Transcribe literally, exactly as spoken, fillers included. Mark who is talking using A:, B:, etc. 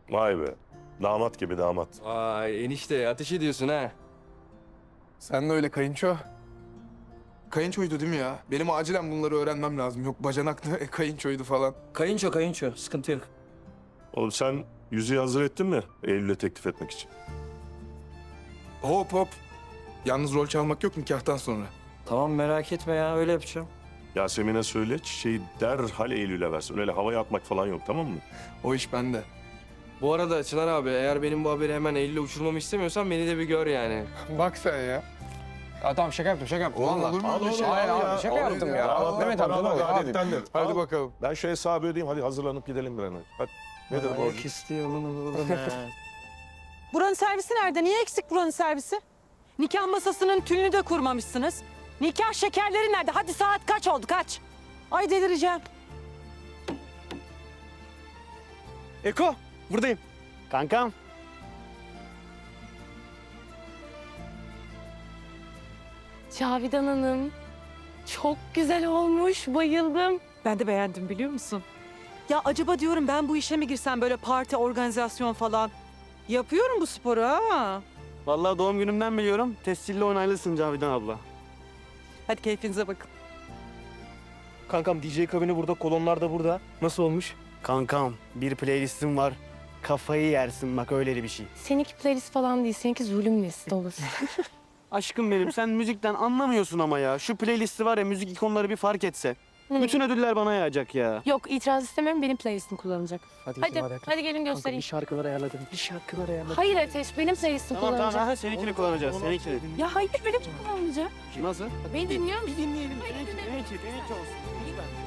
A: Vay be. Damat gibi damat.
B: Vay enişte ateş ediyorsun ha.
C: Sen de öyle kayınço. Kayınçoydu değil mi ya? Benim acilen bunları öğrenmem lazım. Yok bacanaktı, e, kayınçoydu falan.
D: Kayınço kayınço sıkıntı yok.
A: Oğlum sen yüzüğü hazır ettin mi Eylül'e teklif etmek için?
C: Hop hop. Yalnız rol çalmak yok nikahtan sonra.
D: Tamam merak etme ya öyle yapacağım.
A: Yasemin'e söyle çiçeği derhal Eylül'e versin. Öyle havaya atmak falan yok, tamam mı?
C: O iş bende.
B: Bu arada Çınar abi eğer benim bu haberi hemen Eylül'e uçurmamı istemiyorsan beni de bir gör yani.
C: Bak sen ya.
E: Ya tamam şaka yaptım şaka yaptım.
C: Oğlum
E: Vallahi.
C: olur mu öyle şey?
E: Hayır
C: ya?
E: abi şaka
C: Olur
E: yaptım
C: ya.
E: ya.
A: Al,
E: Mehmet abi ne
A: paralar
E: olur hadi.
A: adettendir.
C: Hadi
A: Al.
C: bakalım.
A: Ben şu hesabı ödeyeyim, hadi hazırlanıp gidelim bir an önce. Hadi. Nedir borcun?
D: Ayak istiyor oğlum oğlum ya.
F: Buranın servisi nerede? Niye eksik buranın servisi? Nikah masasının tülünü de kurmamışsınız. Nikah şekerleri nerede? Hadi saat kaç oldu kaç? Ay delireceğim.
G: Eko, buradayım. Kankam.
H: Cavidan Hanım, çok güzel olmuş, bayıldım.
F: Ben de beğendim biliyor musun? Ya acaba diyorum ben bu işe mi girsem böyle parti, organizasyon falan. Yapıyorum bu sporu ha.
G: Vallahi doğum günümden biliyorum. Tescilli onaylısın Cavidan abla.
F: Hadi keyfinize bakın.
G: Kankam D J kabini burada, kolonlar da burada. Nasıl olmuş? Kankam, bir playlistim var. Kafayı yersin bak öyle bir şey.
H: Seninki playlist falan değil, seninki zulüm listi olur.
G: Aşkım benim, sen müzikten anlamıyorsun ama ya. Şu playlisti var ya, müzik ikonları bir fark etse.
H: Hı.
G: Bütün ödüller bana yağacak ya.
H: Yok, itiraz istemiyorum, benim playlistim kullanılacak.
G: Hadi,
H: Hadi, hadi gelin göstereyim.
G: şarkılar ayarladım. Bir şarkılar ayarladım.
H: Hayır Ateş, benim playlistim
G: Tamam tamam,
H: kullanacak.
G: ha, seninkini kullanacağız, seninkini.
H: Ya hayır, benim kullanılacak.
G: Nasıl?
H: Beni dinliyor musun?
G: Bir dinleyelim.
H: Hayır,
G: Benimki,
H: dinle.
G: benimki, benimki olsun. Lütfen.